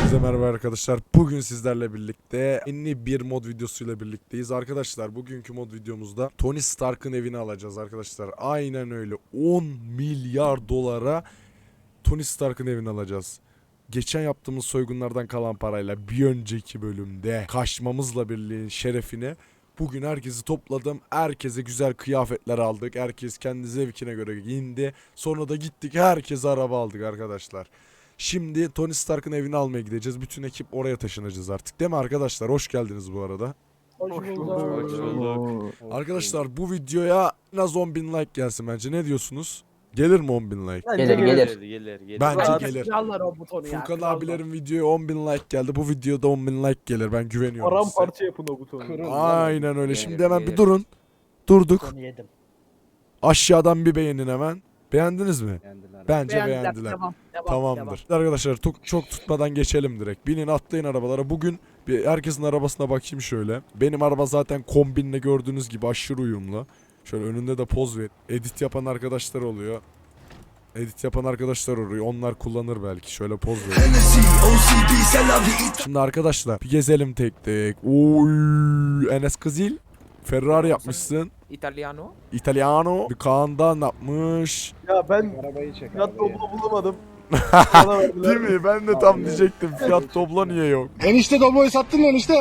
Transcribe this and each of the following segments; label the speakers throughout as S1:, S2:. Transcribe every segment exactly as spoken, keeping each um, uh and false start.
S1: Hepinize merhaba arkadaşlar. Bugün sizlerle birlikte yeni bir mod videosuyla birlikteyiz. Arkadaşlar bugünkü mod videomuzda Tony Stark'ın evini alacağız arkadaşlar. Aynen öyle. on milyar dolara Tony Stark'ın evini alacağız. Geçen yaptığımız soygunlardan kalan parayla bir önceki bölümde kaçmamızla birliğin şerefine bugün herkesi topladım. Herkese güzel kıyafetler aldık. Herkes kendi zevkine göre giyindi. Sonra da gittik herkese araba aldık arkadaşlar. Şimdi Tony Stark'ın evini almaya gideceğiz. Bütün ekip oraya taşınacağız artık. Değil mi arkadaşlar? Hoş geldiniz bu arada.
S2: Hoş bulduk.
S3: Hoş bulduk.
S1: Arkadaşlar bu videoya en az on bin like gelsin bence. Ne diyorsunuz? Gelir mi on bin like?
S2: Bence
S3: Gelir,
S2: gelir.
S3: gelir, gelir, gelir.
S1: Bence
S2: Rahat
S1: gelir.
S2: Krallar o butonu ya.
S1: Furkan
S2: krallar.
S1: abilerin videoya on bin like geldi. Bu videoda on bin like gelir. Ben güveniyorum size.
S2: Paramparça yapın o butonu.
S1: Aynen öyle.
S3: Gelir,
S1: Şimdi hemen bir
S3: gelir.
S1: durun. Durduk.
S2: Onu yedim.
S1: Aşağıdan bir beğenin hemen. Beğendiniz mi? Bence
S2: Beğendiler.
S1: beğendiler.
S2: Devam, devam,
S1: Tamamdır. Arkadaşlar çok, çok tutmadan geçelim direkt. Binin atlayın arabalara. Bugün bir herkesin arabasına bakayım şöyle. Benim araba zaten kombinle gördüğünüz gibi aşırı uyumlu. Şöyle önünde de poz ver. Edit yapan arkadaşlar oluyor. Edit yapan arkadaşlar oluyor. Onlar kullanır belki. Şöyle poz ver. Şimdi arkadaşlar bir gezelim tek tek. Oy, Enes Kızil. Ferrari yapmışsın.
S3: Italiano.
S1: Italiano. Bir Kaan'da ne yapmış?
S2: Ya ben
S4: Arabayı çek
S2: fiyat
S4: abi.
S2: toplu bulamadım. Bana verdiler.
S1: Değil mi? Ben de tam diyecektim. Fiyat topla niye yok?
S4: Enişte Doblo'yu sattın mı enişte?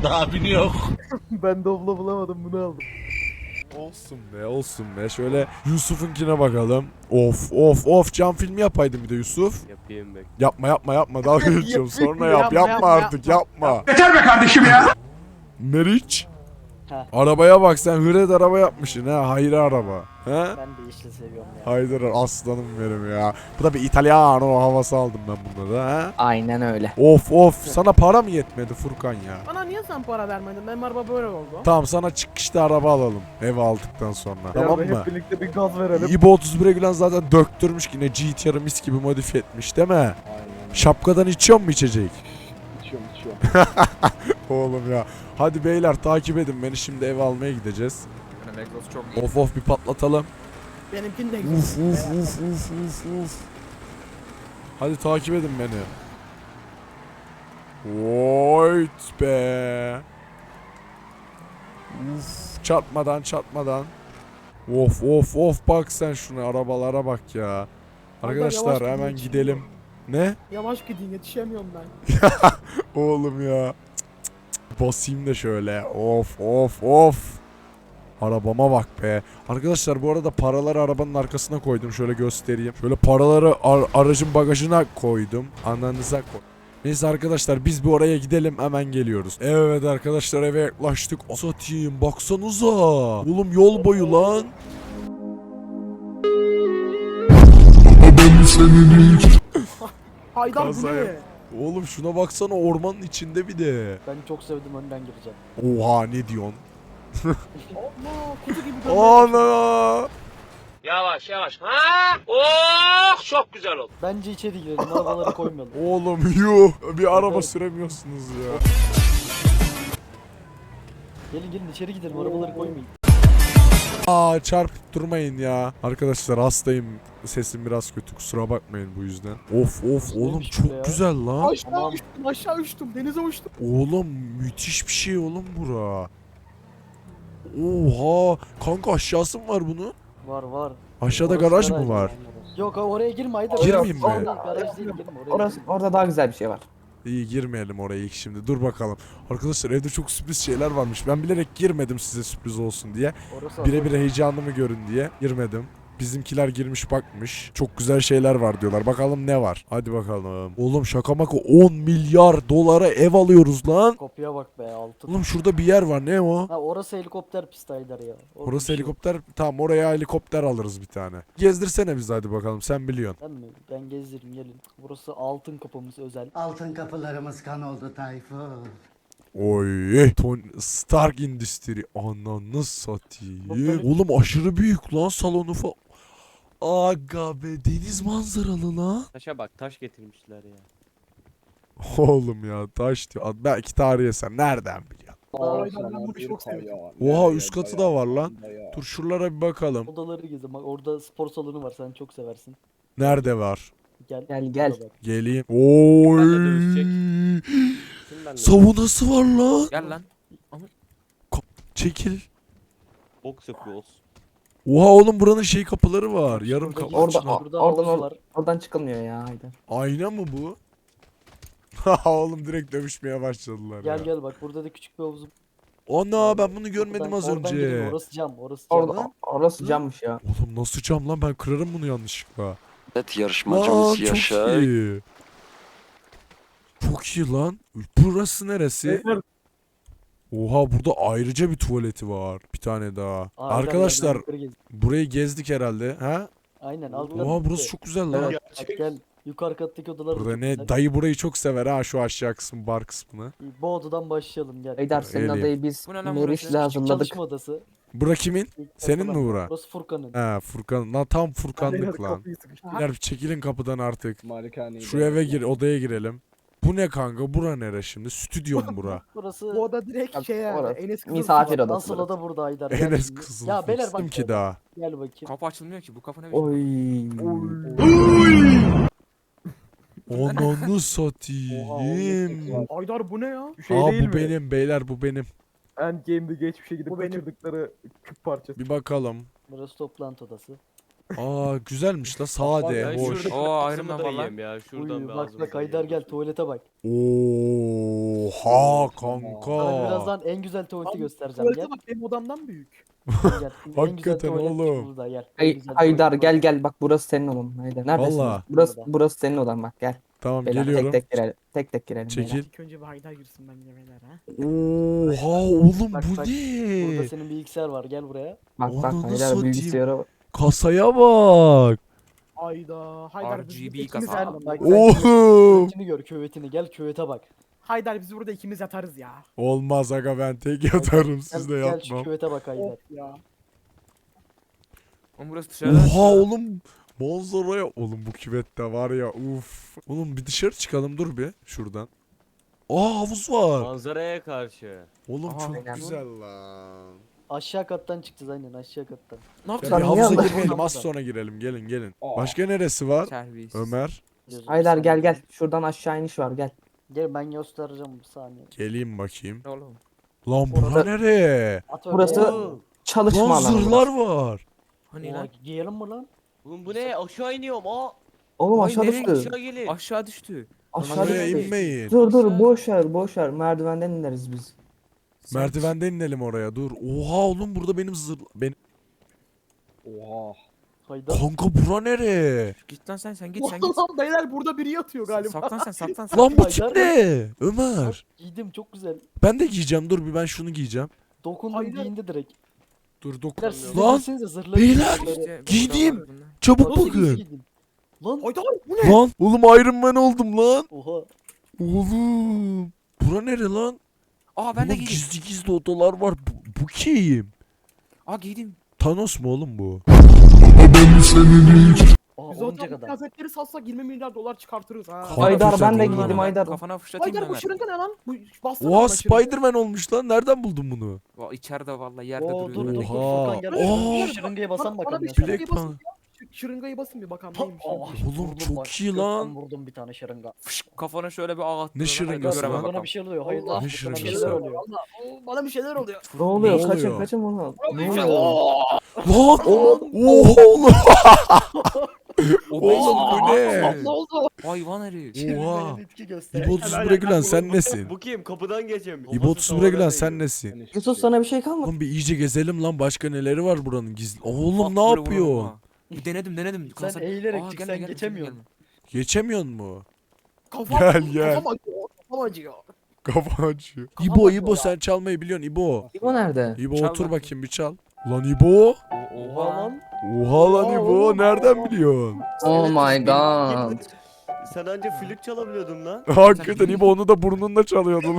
S2: Ben Doblo bulamadım, bunu aldım.
S1: Olsun be, olsun be. Şöyle Yusuf'unkine bakalım. Of of of, cam filmi yapaydın bir de Yusuf.
S3: Yapayım bek.
S1: Yapma yapma yapma, dalga geçiyorum. Sonra yap.
S2: Yapma,
S1: Yapma,
S2: yapma,
S1: artık
S2: yapma.
S1: yapma.
S4: Yeter be kardeşim ya.
S1: Meriç.
S5: Ha.
S1: Arabaya bak, sen hıret araba yapmışsın ha. Hayri araba. He?
S5: Ben de yeşil seviyorum ya.
S1: Haydar aslanım benim ya. Bu da bir İtalyano havası aldım ben bunları ha.
S5: Aynen öyle.
S1: Of of, sana para mı yetmedi Furkan ya?
S2: Bana niye sen para vermedin? Benim araba böyle oldu.
S1: Tamam, sana çıkışta araba alalım. Ev aldıktan sonra. Tamam mı?
S2: Hep birlikte bir gaz verelim.
S1: İbo otuz bire Gülen zaten döktürmüş, yine G T R'ı mis gibi modifiye etmiş değil mi?
S4: Aynen.
S1: Şapkadan içiyor mu içecek?
S4: İçiyorum içiyorum.
S1: Oğlum ya. Hadi beyler takip edin beni, şimdi ev almaya gideceğiz. Of of, bir patlatalım.
S2: Benimkini de
S1: Uf uf uf uf uf uf. Hadi takip edin beni. Voyt be. Uf, çarpmadan çarpmadan. Of of of, bak sen şuna, arabalara bak ya. Arkadaşlar
S2: yavaş
S1: hemen
S2: gidin,
S1: gidelim. Ne?
S2: Yavaş gidin, yetişemiyorum ben.
S1: Oğlum ya. Cık, cık, cık. Basayım da şöyle. Of of of. Arabama bak be. Arkadaşlar bu arada paraları arabanın arkasına koydum. Şöyle göstereyim. Şöyle paraları ar- aracın bagajına koydum. Ananıza koy. Neyse arkadaşlar, biz bir oraya gidelim, hemen geliyoruz. Evet arkadaşlar, eve yaklaştık. Satayım, baksanıza. Oğlum yol boyu lan.
S2: Haydar bu
S1: Kaza
S2: ne?
S1: yap. Oğlum şuna baksana, ormanın içinde bir de.
S5: Ben çok sevdim, önden gireceğim.
S1: Oha, ne diyorsun?
S2: Allah, kutu gibi dönüyor.
S1: Ana.
S6: Yavaş yavaş. Ha? Oh, çok güzel oldu.
S5: Bence içeri girelim, arabaları koymayalım.
S1: Oğlum yuh, bir araba süremiyorsunuz ya.
S5: Gelin gelin içeri gidelim, arabaları koymayın.
S1: Aa, çarpıp durmayın ya. Arkadaşlar hastayım. Sesim biraz kötü, kusura bakmayın bu yüzden. Of of oğlum,
S5: Neymiş bu ya?
S1: çok güzel lan.
S2: Aşağı
S5: Tamam.
S2: uçtum, aşağı uçtum, denize uçtum.
S1: Oğlum müthiş bir şey oğlum bura. Oha kanka, aşağısı mı var bunun?
S5: Var var.
S1: Aşağıda
S5: Orası
S1: garaj mı var?
S5: Yok oraya girme Haydar.
S1: Girmeyeyim mi?
S5: Orada garaj değil, girme oraya.
S4: Orası, orada daha güzel bir şey var.
S1: İyi, girmeyelim oraya ilk şimdi, dur bakalım. Arkadaşlar evde çok sürpriz şeyler varmış. Ben bilerek girmedim size sürpriz olsun diye.
S5: Orası
S1: Birebir heyecanımı görün diye girmedim. Bizimkiler girmiş bakmış. Çok güzel şeyler var diyorlar. Bakalım ne var. Hadi bakalım. Oğlum şaka maka on milyar dolara ev alıyoruz lan.
S5: Kopya bak be, altın.
S1: Oğlum şurada bir yer var. Ne o?
S5: Ha orası helikopter pisti Haydar ya. Orada
S1: Orası
S5: bir şey yok.
S1: helikopter. Tamam, oraya helikopter alırız bir tane. Gezdirsene bizi hadi bakalım. Sen biliyorsun.
S5: Ben mi? Ben gezdiririm gelin. Burası altın kapımız özel.
S7: Altın kapılarımız kan oldu Tayfun.
S1: Oy. Tony Stark Industry. Ananı satayım. Oğlum aşırı büyük lan salonu falan. Aga be, deniz manzaralı lan.
S3: Taşa bak, taş getirmişler ya.
S1: Oğlum ya, taş diyor. Belki tarihi eser. Nereden biliyorsun?
S2: Haydar, ben bunu çok seviyorum.
S1: Oha, üst katı da var lan. Dur şuralara bir bakalım.
S5: Odaları gezin. Bak orada spor salonu var, sen çok seversin.
S1: Nerede var?
S5: Gel.
S4: Gel, gel.
S5: Burada bak.
S1: Geleyim. Oy.
S3: Ben de dövüşecek.
S6: bende.
S1: Savunası var lan.
S3: Gel lan.
S1: Çekil.
S6: Box yapıyoruz.
S1: Oha oğlum buranın şey kapıları var. Yarım
S5: Şurada
S1: kapı.
S5: gir-
S4: Orada,
S1: içine-
S5: Şurada
S4: oradan,
S5: havuz
S4: or-
S5: var.
S4: oradan çıkılmıyor ya Haydar.
S1: Ayna mı bu? Ha oğlum direkt dövüşmeye başladılar
S5: Gel
S1: ya.
S5: gel bak burada da küçük bir havuz.
S1: Ana ben bunu görmedim
S5: Oradan-
S1: az
S5: oradan girin,
S1: önce.
S5: Orası cam, orası cam.
S4: Orada, orası cammış ya.
S1: Oğlum nasıl cam lan, ben kırarım bunu yanlışlıkla.
S8: Evet
S1: Lan
S8: yarışmacımız
S1: çok
S8: Yaşar.
S1: iyi. Çok iyi lan. Burası neresi? Oha burada ayrıca bir tuvaleti var. Bir tane daha.
S5: Aa,
S1: Arkadaşlar
S5: gel, gel, yukarı gez.
S1: burayı gezdik herhalde. Ha?
S5: Aynen altlar.
S1: Oha burası
S5: bitti.
S1: çok güzel lan.
S5: Evet, bak gel yukarı kattaki odalar. da
S1: Burada
S5: çok
S1: ne?
S5: güzel.
S1: Dayı burayı çok sever ha, şu aşağı kısmı, bar kısmını.
S5: Bu odadan başlayalım gel.
S4: Haydar senin
S1: Öyleyim.
S4: adayı biz
S3: Bu ne lan
S4: Meriç'le
S3: burası?
S4: hazırladık.
S5: Çalışma odası.
S1: Bura kimin?
S5: İlk
S1: Senin
S5: kapılar.
S1: mi bura?
S5: Burası Furkan'ın.
S1: He Furkan. Lan tam
S2: Beyler
S1: Furkanlık lan.
S2: kapıyı sıkıştı.
S1: Beyler çekilin kapıdan artık.
S4: Malikaneyi
S1: Şu eve gir, odaya girelim. Bu ne kanka? Bura nere şimdi? Stüdyo mu bura?
S5: Burası
S2: Bu oda direkt
S4: Bak,
S2: şey yani.
S4: orası
S2: Enes kızıl
S4: misafir
S2: suyu.
S4: odası.
S5: asıl oda burada Haydar. gel
S1: Enes
S5: şimdi.
S1: kızıl.
S5: Ya beyler
S1: Fıstım
S5: bak.
S1: ki daha.
S5: Gel bakayım.
S3: Kapı açılmıyor ki. Bu kapı ne biçim?
S4: Oy.
S1: Ananı satayım.
S2: Aydar bu ne ya?
S9: Şey
S1: Aa
S9: değil
S1: bu
S9: mi?
S1: benim beyler, bu benim.
S9: Endgame'de geçmişe gidip
S2: Bu benim.
S9: kaçırdıkları küp parçası.
S1: Bir bakalım.
S5: Burası toplantı odası.
S1: Aa güzelmiş la, sade,
S6: Ben
S1: hoş.
S6: şurada
S3: Oo,
S6: kısmı
S3: Iron Man
S6: da
S3: var
S6: yiyeyim
S3: lan.
S6: ya. Şuradan
S5: Uy,
S6: bir
S5: bak
S6: ağzımıza
S5: bak Haydar
S6: yiyelim.
S5: gel tuvalete bak.
S1: Oha
S5: Sana
S1: kanka.
S5: birazdan en güzel tuvaleti
S2: Abi,
S5: göstereceğim gel.
S2: Tuvalete bak benim odamdan büyük.
S5: Gel. En güzel
S1: Hakikaten
S5: tuvalet
S1: oğlum.
S5: burada gel. En
S4: Hay-
S5: güzel
S4: Haydar
S5: tuvalet
S4: gel
S5: burada.
S4: gel bak burası senin odan Haydar. Neredesin?
S1: Valla.
S4: Burası burası senin odan bak gel.
S1: Tamam
S4: Beyler,
S1: geliyorum.
S4: Tek tek girelim. Tek tek girelim.
S1: Çekil.
S2: İlk önce bir Haydar girsin bence beyler ha.
S1: Oha oğlum
S5: Bak,
S1: bu
S5: bak,
S1: ne?
S5: Burada senin bilgisayar var gel buraya.
S4: Bak bak
S1: Ananı
S4: Haydar
S1: satayım.
S4: bilgisayara bak.
S1: Kasaya bak.
S2: Ayda Haydar biz
S3: R G B
S2: burada ikimiz
S3: kasa.
S2: yatalım.
S5: Bak sen
S1: Oğlum.
S5: küvetini gör küvetini gel küvete bak.
S2: Haydar biz burada ikimiz yatarız ya.
S1: Olmaz aga, ben tek yatarım,
S5: Gel,
S1: siz de
S5: gel şu
S1: yatmam.
S5: küvete bak Haydar.
S2: Of ya.
S3: Oğlum burası dışarıda.
S1: Oha oğlum. Manzaraya. Oğlum bu küvette var ya, uf. Oğlum bir dışarı çıkalım, dur bir şuradan. Aa havuz var.
S6: Manzaraya karşı.
S1: Oğlum
S3: Aa,
S1: çok
S4: aynen.
S1: güzel lan.
S5: Aşağı kattan çıkacağız aynen aşağı kattan.
S3: Ne
S1: Ya
S3: yapacağız?
S1: bir
S4: Sen niye
S1: havuza
S4: anlatıyorsun?
S1: girmeyelim, az
S5: Havuza.
S1: sonra girelim, gelin gelin. Başka neresi var?
S3: Terbiyesiz.
S1: Ömer.
S5: Gözünü
S4: Haydar gel
S5: seveyim.
S4: gel. Şuradan aşağı iniş var gel.
S5: Gel ben göstereceğim bir saniye.
S1: Geleyim bakayım.
S3: Ne oğlum?
S1: Lan bura
S4: Orada-
S1: nereye?
S5: At öyle.
S4: Burası
S5: Oo.
S4: çalışma
S1: Lan
S4: alanı.
S1: zırhlar
S4: burası.
S1: var.
S3: Hani
S5: Oha,
S3: lan?
S5: giyelim mi lan?
S6: Oğlum bu ne? Aşağı iniyorum. Aa.
S4: Oğlum
S3: Ay,
S4: aşağı
S3: nereye
S4: düştü.
S6: Aşağı gelin.
S3: Aşağı düştü.
S4: Aşağı
S1: Buraya
S4: düştü.
S1: inmeyin.
S4: Dur dur
S6: Aşağı.
S4: boş ver boş ver. Merdivenden ineriz biz.
S1: Merdivenden inelim oraya, dur. Oha oğlum burada benim zırh... Ben...
S4: Oha.
S5: Haydar.
S1: Kanka bura nereye?
S3: Git lan sen sen git sen git.
S2: Lan beyler burada biri yatıyor galiba.
S3: Saklan sen saklan sen.
S1: Lan bu
S5: Haydar
S1: tip ne? Ömer.
S5: Giydim çok güzel.
S1: Ben de giyeceğim, dur bir ben şunu giyeceğim.
S5: Dokundum
S2: Haydar.
S5: giyindi direkt.
S1: Dur
S5: Beyler
S1: dokun.
S5: siz de
S1: Lan
S5: giysenize zırhları.
S1: beyler,
S5: zırhları.
S3: İşte
S1: Giydim.
S3: burada var bunda.
S1: çabuk
S5: Nasıl
S1: bakın.
S5: giydin? Lan.
S2: Haydar bu ne?
S1: Lan oğlum Iron Man oldum lan.
S5: Oha.
S1: Oğlum. Bura nere lan?
S3: Aa ben de
S1: Oğlum
S3: giydim.
S1: gizli gizli odalar var. Bu, bu kim?
S3: Aa giydim.
S1: Thanos mu oğlum bu?
S5: Aa
S2: Biz
S5: olunca
S2: zaten
S5: kadar.
S2: kıyafetleri satsak yirmi milyar dolar çıkartırız ha.
S1: Kafana
S4: Haydar,
S1: fırçat
S4: ben de
S1: oğlum.
S4: giydim, Haydar.
S3: Kafana fışlatayım
S2: Haydar bu
S3: Ömer.
S2: şırınga ne lan? Bu bastı
S1: Oha Spider-Man olmuş lan. Nereden buldun bunu?
S3: Va- İçeride vallahi yerde
S5: Oo dur dur
S3: duruyor.
S5: dur
S1: Oha.
S5: Furkan gel.
S1: Aa.
S5: Şu şırıngaya basan
S2: Bana- bana
S5: bakalım.
S2: bir
S5: ya
S2: şey-
S5: sen.
S1: Bilek
S2: basın
S1: pan.
S2: Şu şırıngayı basın bir bakalım
S5: Ta-
S2: neymiş.
S5: Aa,
S2: neymiş.
S1: Oğlum
S5: vurdum
S1: çok
S5: bak,
S1: iyi
S5: gökten
S1: lan.
S5: Vurdum bir tane şırınga.
S3: Fışk, kafana şöyle bir ağ attı.
S1: Ne şırıngası
S3: Göremem
S1: lan?
S5: Bana
S3: bakalım.
S5: bir şey oluyor. Hayır
S2: Allah,
S5: lan.
S1: Ne
S5: Bana bir
S1: şırıngası?
S5: şeyler oluyor.
S2: Allah, o- bana bir şeyler oluyor.
S4: Ne oluyor?
S1: Ne
S4: Kaçın
S1: oluyor?
S4: kaçın bunu. Ne
S2: Lan,
S4: oluyor?
S1: Lan! Oha oğlum!
S3: O
S1: Oğlum bu ne?
S2: Ne oldu?
S3: Hayvan herif.
S1: Oha!
S5: Etki göster.
S1: İbo Tuzbure Gülen sen nesin?
S6: Bu kim? Kapıdan geçemiyor.
S1: İbo Tuzbure Gülen sen nesin?
S4: Yusuf sana bir şey kalmadı.
S1: Oğlum bir iyice gezelim lan, başka neleri var buranın gizli. Oğlum
S3: Bak,
S1: ne
S3: böyle
S1: yapıyor?
S3: vuralım ha. Bir denedim denedim.
S5: Sen
S3: Kasa-
S5: eğilerek
S3: Aa,
S5: çık,
S3: gelme,
S5: sen
S3: gelme,
S5: geçemiyorsun.
S3: gelme.
S1: Geçemiyor mu?
S2: Kafam,
S1: Gel, gel.
S2: Kafam acıyor. Kafam acıyor.
S1: Kafa açıyor.
S2: Kafam
S1: İbo
S2: acıyor
S1: İbo
S2: ya.
S1: sen çalmayı biliyorsun İbo.
S4: İbo nerede?
S1: İbo
S3: Çal
S1: otur
S3: bakayım.
S1: bakayım bir çal. Lan İbo.
S3: O-
S5: Oha
S3: Oha.
S5: lan.
S1: Oha lan
S2: Oha,
S1: İbo
S2: oğlum,
S1: nereden
S2: oha.
S1: biliyorsun?
S4: Oh my god.
S6: Sen anca flüt çalabiliyordun lan.
S1: Hakikaten İbo onu da burnunla çalıyordun.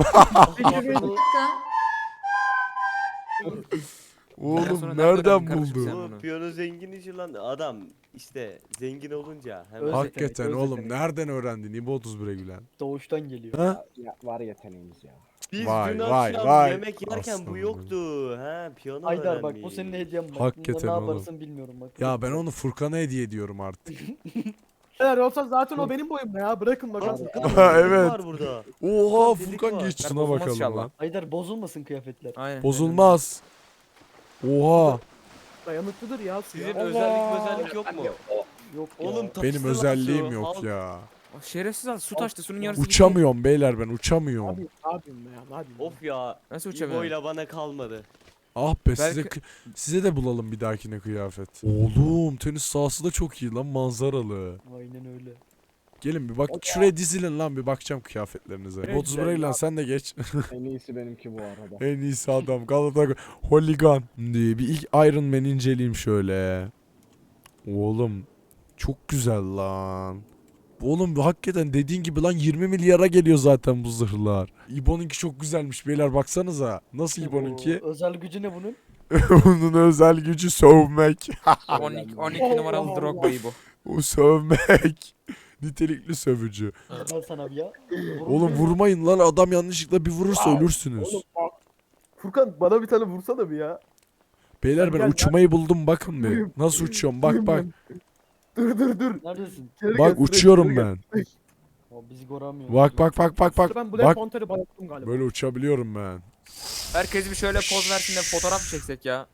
S3: Ondan sonra
S1: Oğlum
S3: nereden
S1: nereden
S3: öğrendin kardeşim
S1: buldu?
S3: sen?
S6: Bu
S3: bunu.
S6: piyano zengin işi lan. Adam işte zengin olunca hemen.
S5: Öz-
S1: Hakikaten
S5: yetenek, öz
S1: oğlum
S5: yetenek.
S1: nereden öğrendin İbo Tuzbure Gülen?
S5: Doğuştan geliyor.
S1: Ha?
S4: Var yeteneğimiz ya.
S6: Biz
S1: Vay,
S6: dün
S1: vay,
S6: akşam
S1: vay.
S6: yemek yerken
S1: Aslanım
S6: bu yoktu. Ha piyano
S5: Haydar bak bu
S6: öğrenmiş.
S5: senin hediyen bak.
S1: Hakikaten
S5: Bunda ne
S1: oğlum.
S5: yaparsın bilmiyorum bak.
S1: Ya ben onu Furkan'a hediye ediyorum artık.
S2: Eğer olsa zaten o benim boyumda ya. Bırakın bakalım.
S1: Evet.
S5: Var burada.
S1: Oha
S5: Delik
S1: Furkan
S5: var.
S1: geç
S3: Ben
S1: şuna
S3: bozulmaz
S1: bakalım
S3: inşallah.
S1: lan.
S5: Haydar bozulmasın kıyafetler.
S3: Aynen.
S1: Bozulmaz. Oha.
S2: Dayanıklıdır ya. su ya.
S6: Sizin özellik özellik yok mu?
S5: Yok
S6: Oğlum
S5: ya.
S6: taşısın
S1: Benim
S6: lan
S1: özelliğim
S6: su.
S1: yok
S6: Al.
S1: ya.
S3: Şerefsiz al su taştı suyun yarısı gitti.
S1: Uçamıyorum beyler ben uçamıyorum.
S2: Abi ne yapayım ya? Ne yapayım? ya?
S6: Of ya.
S3: Nasıl uçamıyorum?
S6: İbo'yla bana kalmadı.
S1: Ah be size
S3: Belki-
S1: size de bulalım bir dahakine kıyafet. Oğlum tenis sahası da çok iyi lan manzaralı.
S5: Aynen öyle.
S1: Gelin bir bak şuraya dizilin lan bir bakacağım kıyafetlerinize.
S2: Evet,
S1: otuz bir lan sen de geç.
S4: En iyisi benimki bu arada.
S1: En iyisi adam Galatasaray Holigan diye bir ilk Iron Man inceleyeyim şöyle. Oğlum çok güzel lan. Oğlum bu hakikaten dediğin gibi lan yirmi milyara geliyor zaten bu zırhlar. İbo'nunki çok güzelmiş beyler baksanıza. Nasıl İbo'nunki?
S5: O özel gücü ne bunun?
S1: Onun özel gücü sövmek.
S3: on iki, on iki numaralı Drogba'yı bu.
S1: O sövmek. Nitelikli sövücü.
S5: Ben sana bir ya.
S1: Oğlum vurmayın lan adam yanlışlıkla bir vurursa ölürsünüz.
S9: Oğlum bak. Furkan bana bir tane vursana bir ya.
S1: Beyler ben
S9: Gel, gel.
S1: uçmayı buldum bakın bir. Nasıl uçuyorum bak bak.
S9: Dur dur dur.
S5: Neredesin?
S9: Geri
S1: Bak
S9: gel,
S1: uçuyorum
S9: geri gel.
S1: ben.
S5: O bizi göremiyor.
S1: Bak bak bak bak bak.
S2: Ben Black
S1: Bak
S2: Panther'ı bayılttım galiba.
S1: böyle uçabiliyorum ben.
S3: Herkes bir şöyle poz versin de fotoğraf mı çeksek ya?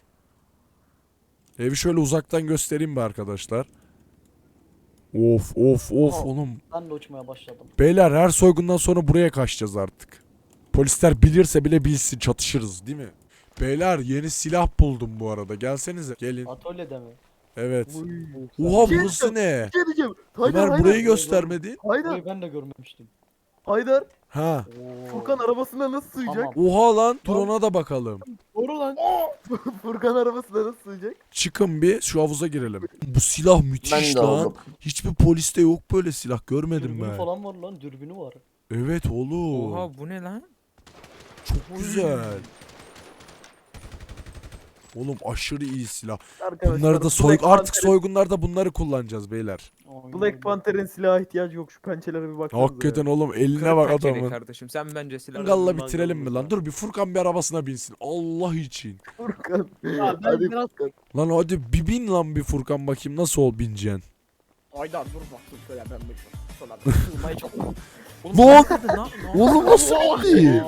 S1: Evi şöyle uzaktan göstereyim be arkadaşlar. Of of of
S5: Aa.
S1: oğlum.
S5: Ben de uçmaya başladım.
S1: Beyler her soygundan sonra buraya kaçacağız artık. Polisler bilirse bile bilsin çatışırız değil mi? Beyler yeni silah buldum bu arada. Gelsenize. Gelin.
S5: Atölyede mi?
S1: Evet.
S9: Uy.
S1: Oha
S9: Şey
S1: burası ne?
S9: Bir şey diyeceğim. Haydar
S1: Ömer
S9: Haydar.
S1: burayı göstermedi.
S9: Haydar.
S5: Burayı ben de görmemiştim.
S9: Haydar.
S1: Ha.
S9: Furkan arabasına nasıl sığacak?
S5: Tamam.
S1: Oha lan dur ona da bakalım.
S2: Doğru lan.
S9: Furkan arabasına nasıl sığacak?
S1: Çıkın bir şu havuza girelim. Bu silah müthiş lan. Hiçbir poliste yok böyle silah görmedim
S5: Dürbünü
S1: ben.
S5: falan var lan, dürbünü var.
S1: Evet oğlum.
S3: Oha bu ne lan?
S1: Çok güzel. Oğlum aşırı iyi silah.
S9: Arkadaşlar,
S1: Bunları da soy
S9: Black
S1: artık
S9: Panther'in-
S1: soygunlarda bunları kullanacağız beyler.
S5: Aynen
S9: Black
S5: öyle.
S9: Panther'in silaha ihtiyacı yok. Şu pençelere bir baksanıza.
S1: Hakikaten oğlum eline
S3: Kırık
S1: bak
S3: pencere
S1: adamın.
S3: kardeşim sen bence silah.
S1: Mangalla
S6: Mangalımız
S1: bitirelim mi lan?
S6: var.
S1: Dur bir Furkan bir arabasına binsin. Allah için.
S9: ya. Furkan.
S2: Ya ben
S9: Hadi
S2: biraz...
S9: Furkan.
S1: Lan hadi bir bin lan bir Furkan bakayım nasıl ol bineceksin.
S2: Haydar dur bak dur şöyle ben bir şöyle. Sığmayı çok...
S3: Oğlum
S1: Lan!
S3: sen nerede? Ne- ne-
S1: Oğlum nasıl oldu?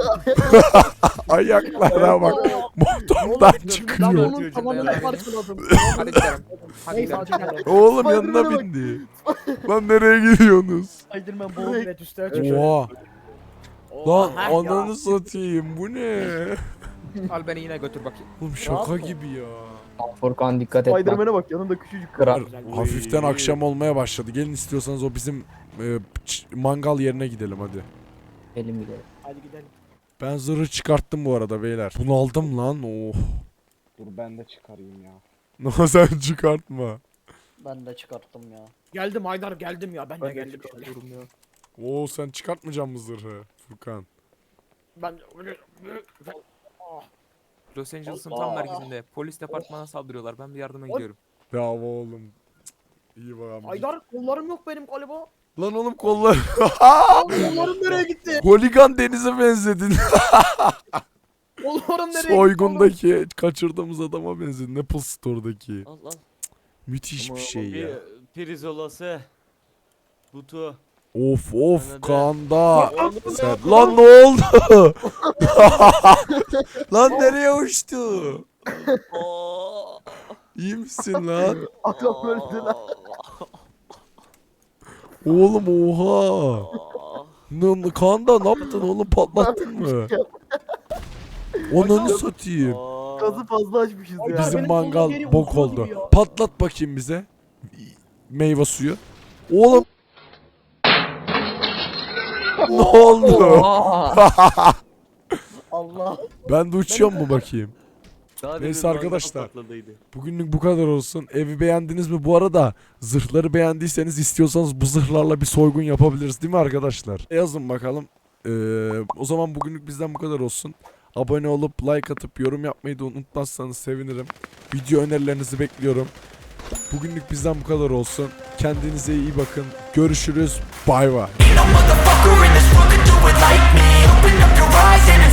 S1: Ayaklara bak. Motordan
S2: Ben
S1: çıkıyor.
S2: onun tavanını
S3: Dayanamıyor.
S2: parçaladım.
S3: Hadi gidelim. Hadi
S2: Neyse
S3: gidelim.
S2: hadi gidelim.
S1: Oğlum
S9: Spiderman'e
S1: yanına
S9: bak.
S1: bindi. Lan nereye gidiyorsunuz?
S5: Spiderman boğul.
S2: Evet üstüne çıkıyor.
S1: Oha. Lan
S2: Oha, ya.
S1: ananı satayım bu ne?
S3: Al beni yine götür bakayım.
S1: Oğlum şaka
S5: yapma?
S1: gibi ya.
S4: Furkan dikkat et bak.
S9: Spiderman'e bak yanında küçücük.
S4: Kral.
S1: Hafiften akşam olmaya başladı. Gelin istiyorsanız o bizim e, ç- mangal yerine gidelim hadi.
S4: Elim gidelim.
S2: Hadi gidelim.
S1: Ben zırhı çıkarttım bu arada beyler. Bunu aldım lan. Oh.
S4: Dur ben de çıkarayım ya.
S1: No sen çıkartma.
S5: Ben de çıkarttım ya.
S2: Geldim Haydar geldim ya ben de
S9: Ben de
S2: geldim.
S9: çıkartıyorum ya.
S1: Oo sen çıkartmayacaksın mı zırhı Furkan?
S2: Ben
S3: Los Angeles'ın tam merkezinde polis departmanına saldırıyorlar. Ben bir yardıma gidiyorum.
S1: Ya oğlum. Cık, İyi bakalım.
S2: Haydar kollarım yok benim galiba.
S1: Lan oğlum kollar.
S2: Kollarım nereye gitti?
S1: Holigan denize benzedin.
S2: Kollarım nereye gitti?
S1: Soygundaki kaçırdığımız adama benzedin. Apple Store'daki.
S6: Al al.
S1: Müthiş bir şey ya.
S6: Bir Pirizolası. Butu.
S1: Of of
S6: Anladım.
S1: kanda.
S6: Oğlum,
S1: Sen... Lan ne oldu? Lan nereye uçtu?
S6: Oo.
S1: İyi misin lan?
S9: Adam öldü lan.
S1: Oğlum oha. Ne, kanda ne yaptın oğlum patlattın mı? Onunu satayım.
S6: Aa.
S9: Gazı fazla açmışız ya.
S2: Bizim-
S1: Bizim
S2: benim
S1: mangal
S2: kolum geri
S1: bok
S2: uzuyor
S1: oldu.
S2: gibi ya.
S1: Patlat bakayım bize. Meyve suyu. Oğlum. Ne oldu?
S5: Allah.
S1: Ben de uçuyor mu bakayım?
S6: Daha
S1: Neyse
S6: demin
S1: arkadaşlar.
S6: mangal patladıydı.
S1: Bugünlük bu kadar olsun. Evi beğendiniz mi? Bu arada zırhları beğendiyseniz istiyorsanız bu zırhlarla bir soygun yapabiliriz değil mi arkadaşlar? Yazın bakalım. Ee, o zaman bugünlük bizden bu kadar olsun. Abone olup like atıp yorum yapmayı da unutmazsanız sevinirim. Video önerilerinizi bekliyorum. Bugünlük bizden bu kadar olsun. Kendinize iyi bakın. Görüşürüz. Bay bay.
S8: Ain't no motherfucker in this world could do it like me. Open up your eyes and